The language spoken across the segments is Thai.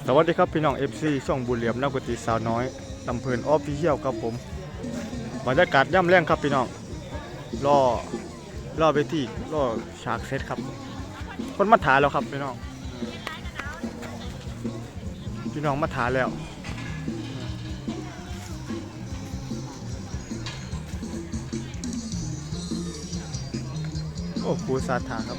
สวัสดีครับพี่น้อง FC ช่องบุญเหลี่ยมนักดนตรีสาวน้อยลำเพลินออฟฟิเชียลครับผมบรรยากาศย่ำแรงครับพี่น้องรอเวทีรอฉากเซตครับคนมาถ่ายแล้วครับพี่น้องมาถ่ายแล้วโอ้ครูสาธาครับ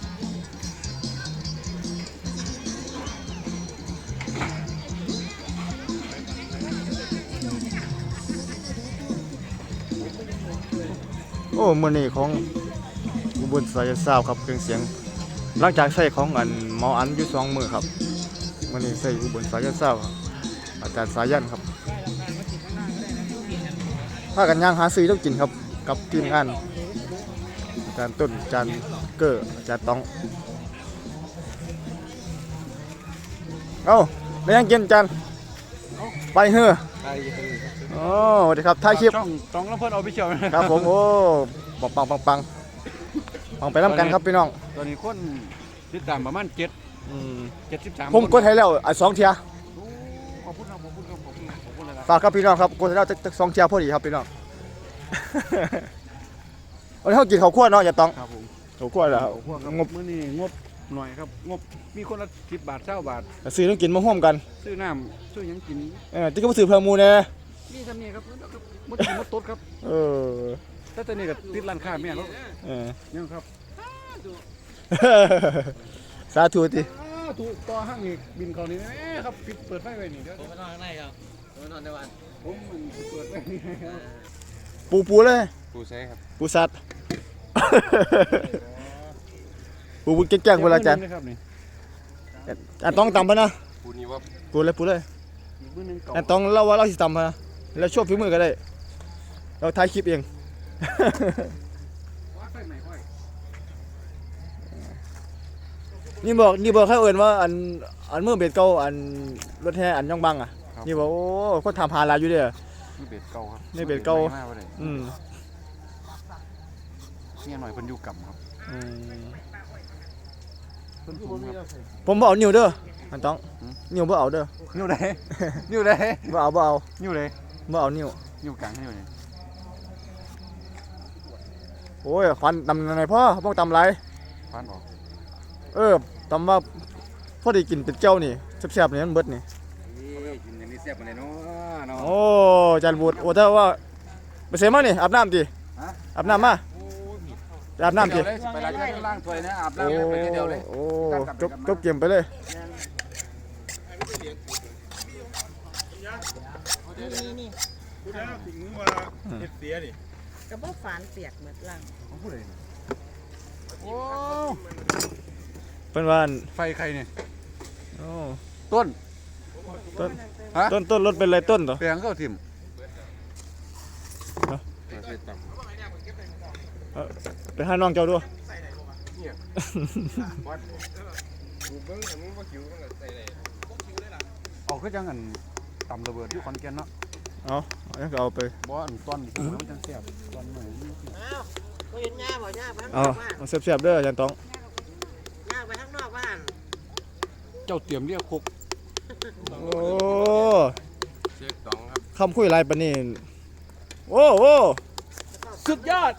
โอ้มือนี่ของอุบลสายซาวครับเครื่องเสียงหลังจากใส่ของหมออันอยู่2 มือครับมือนี่ใส่อุบลสายซาวอาจารย์สายันครับพากันย่างหาซื้อต้องกินครับกับทีมงานอาจารย์ต้นอาจารย์เกอร์อาจารย์ต้องเอ้าไปยังกินอาจารย์ไปเฮ้อโอ้สวัสดีครับถ่ายคลิปช่องลำเพลินออฟฟิเชียลครับผมโอ้ปังปังไปน้ำกันครับพี่น้องตอนนี้คนติดตามประมาณ73 ผมกดให้แล้ว2 เทียขอบคุณครับขอบคุณเลยครับฝากครับพี่น้องครับกดให้แล้ว2 เทียพอดีครับพี่น้องวันนี้เขากินข้าวคั่วเนาะอย่าต้องครับผมข้าวคั่วแล้วงบมื้อนี้งบหน่อยครับงบมีคนละ10 บาท20 บาทซื้อต้องกินมาห่วมกันซื้อน้ำซื้อยังกินที่ก็มาซื้อเพลมูเนี่ยนี่ทำนี่ครับมดตดครับแต่ตอนนี้ก็ติดร้านค้าแม่แล้วยังครับสาธุติถูกต่อห้างนี่บินเขานี่ครับปิดเปิดไฟไว้นี่เดี๋ยวผมไปนอนข้างในครับผมไปนอนในวันผมเปิดไว้นี่ปูเลยปูใช่ครับปูสัตว์ปูแก่งๆเวลาจันต้องตำปะนะปูนี่ว่าปูเลยต้องเล่าว่าเราสิตำปะแล้วช่วยฝีมือก็ได้เราถ่ายคลิปเองนี่บอกให้เอิญว่าอันเมื่อเบ็ดเก่าอันรถแห่อันย่องบังอ่ะนี่บอกโอ้คนทำหาลายอยู่เด้อนี่เบ็ดเก่าครับนี่เบ็ดเก่าเนี่ยหน่อยเพิ่นอยู่กับครับผมบอกเอานิ้วเด้อมันต้องนิ้วบ่เอาเด้อนิ้วไหนบ่เอานิ้วไหนบ่เอานิ้วกลางนิ้วไหนโอ้ยควันตำยังไงพ่อพวกตำไรควันออกตำว่าพอได้กินเป็นเจ้านี่แซ่บๆนี่มันเบิดนี่กินอย่างนี้แซ่บปานใดเนาะโอ้จันบูดโอ้ถ้าว่าไปเสมานี่อาบน้ำติอาบน้ำมาอาบน้ำติไปล้างถ้วยนะอาบน้ำไปเดียวเลยโอ้จบเกมไปเลยนี่คุณแล้วถึงว่าเฮ็ดเสียนี่กระบอกฝานเปียกเหมือนลังของผู้ใดโอ้เป็นว่าไฟใครเนี่ยต้นรถเป็นไรต้นต่อแปลงเข้าทิ่มไปหาน้องเจ้าด้วยเอาขึ้นจังอันต่ำระเบิดที่ขอนแก่นเนาะเอาไปบ่อันต้นมันจังแซ่บต้นใหม่ก็เห็นง่าบ่ง่าไปข้างนอกเอาเสียบเด้ออาจารย์ต้องง่าไปข้างนอกบ้านเจ้าเตรียมเรียกคุกโอ้เช็คต้องครับคำคุยไรปะนี่โอ้สุดยอด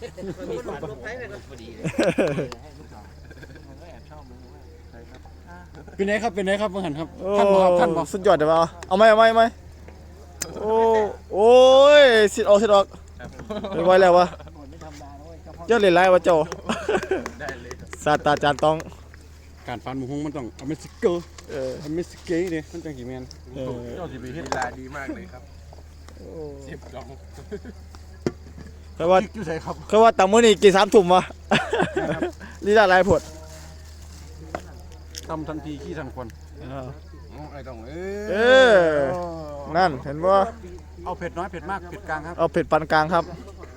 เป็นไงครับเมื่อหันครับท่านบอกสุดยอดเดี๋ยวเอาไหมโอ้ยสิออกไว้แล้ววะเจ้าเล่นไรวะเจ้าศาสตราจารย์ต้องการฟันหมูฮงมันต้องอเมริกาอเมริกาเนี่ยมันจังกี่แมนเจ้าสิบปีเฮ็ดลาดีมากเลยครับ10 ดองคือว่าตำมื้อนี้กี่3 ทุ่มวะนี่ได้หลายผดทำทันทีขี้ทันควันไอ้ต้องนั่นเห็นว่าเอาเผ็ดน้อยเผ็ดมากเผ็ดกลางครับเอาเผ็ดปานกลางครับ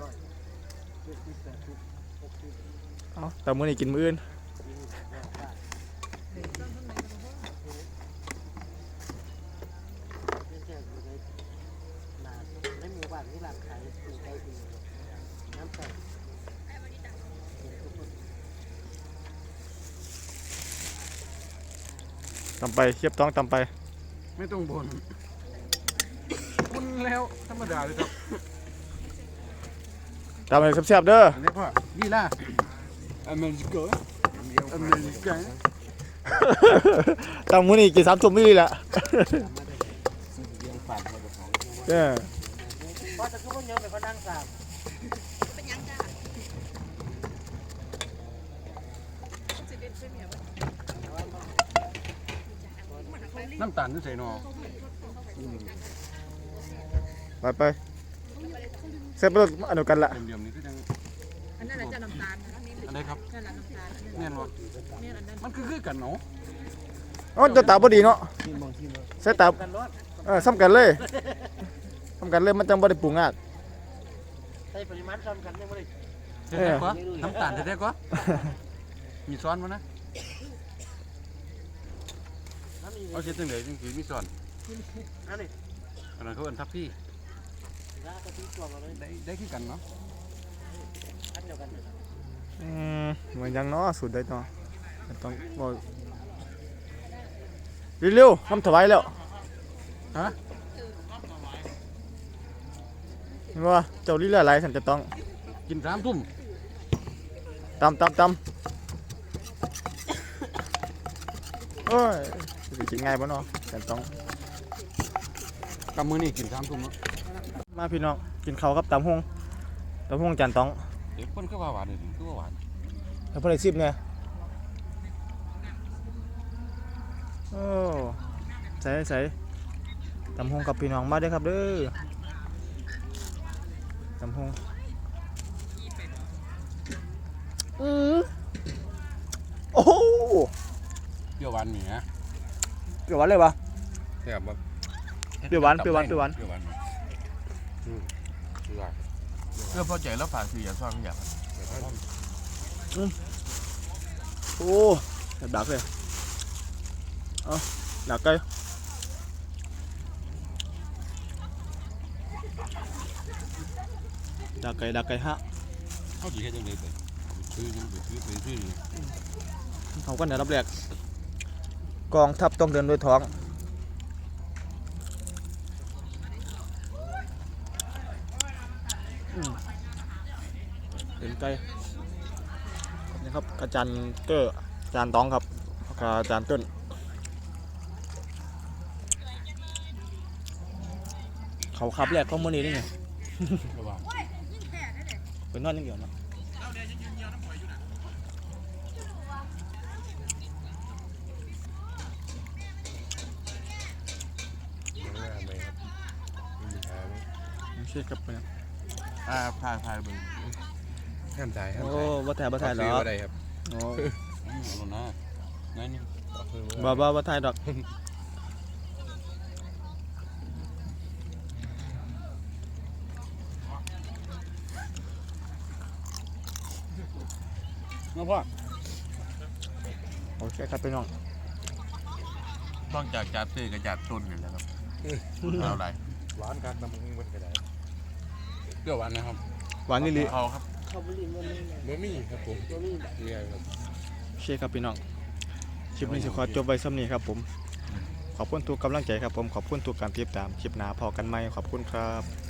แต่มื้อนี้กินมื้ออื่นตำไปเคียบต้องตำไปไม่ต้องบ่นคุณแล้วธรรมดาเลยครับตำให้แซ่บๆเด้ออันนี้พ่อนี่ล่ะอเมริกาอเมริกาตำมื้อนี้กิน3 ทุ่มนี่แหละเออพอจะขึ้นบนเยอะไปพนังสามเป็นยังจ้าน้ำตาลนี่ใส่หนอไปเสร็จไปแล้วอันเดียวกันละเดียมๆนี่คือจังอันนั้นแหละจะน้ำตาลอันไหนครับนั่นแหละน้ำตาลแน่นบ่เนี่ยอันนั้นมันคือกันเนาะอ๋อจะตาบ่ดีเนาะใส่ตากันรถซ้ำกันเลยซ้ำกันเลยมันจังบ่ได้ปรุงงาดใส่ปริมาณซ้ำกันยังไม่ได้แท้ๆกว่าน้ำตาลแท้ๆกว่ามีซ้อนมั้ยนะเอาเช็ดจังได๋จังสิมีซ้อนอันนี้อันนั้นเขาเอิ้นทับพี่ร้านกะทิตัวมาเลยได้คือกันเนาะอันเดียวกันเหมือนยังเนาะสูตรได้เนาะต้องบ่เร็วๆทำถวายแล้วฮะเห็นว่าเจ้าลีลาหลายฉันจะต้องกิน3 ทุ่มตำโอ้ยสิกินง่ายบ่เนาะฉันต้องกับมื้อนี้กิน3 ทุ่มเนาะมาพี่น้องกินข้าวกับตำฮงจานต้องเด็กเพิ่นคือว่าหวานนี่คือว่าหวานแล้วเพิ่นได้ซิบเนี่ยโอ้ใส่ตำฮงกับพี่น้องมาเด้อครับเด้อตำฮงโอ้โหเปรี้ยวหวานนี่ฮะเปรี้ยวหวานเลยปะแซ่บบ่เปรี้ยวหวานเปรี้ยวหวานเพื่อพอใจแล้วฝากคืออย่าซ่อนอย่าโอ้ดักเลยเอาดักไก่ดักไก่ฮะเขาสิเฮ็ดจังได๋ไปซื้อจังไปซื้อนี่เขาก็เนี่ยรับแรกกองทัพต้องเดินด้วยท้องเป็นไก่นี่ครับอาจารย์เตอร์อาจารย์ต้องครับกับอาจารย์ต้นเขาขับแรกเขาเมื่อนี้นี่ไงระวังเป็นนอนอย่างเดียวเนาะยังงามไหมครับมีทางไม่ใช่ครับเนี่ยพายเบิ่งห้ามถ่ายห้ามโอ้ถ่ายบ่ถ่ายเหรอซื้อะไรครับโอ้เอานะนั่นนี่บ่ถ่ายดอกน้องพ่อโอเคครับพี่น้องต้องจากจัดซื้อกับจัดตุนนี่แหละครับเอาไรหวานคักน้ำมันก็ได้เปรี้ยวหวานนะครับหวานนี่ลิเอาครับเขาบริมันนี่บะหมี่ครับผมเนี่ยครับโอเคครับพี่น้องคลิปนี้สิขอจบไว้ซ้ำนี้ครับผมขอบคุณทุกกำลังใจครับผมขอบคุณทุกการติดตามคลิปหน้าพอกันไหมขอบคุณครับ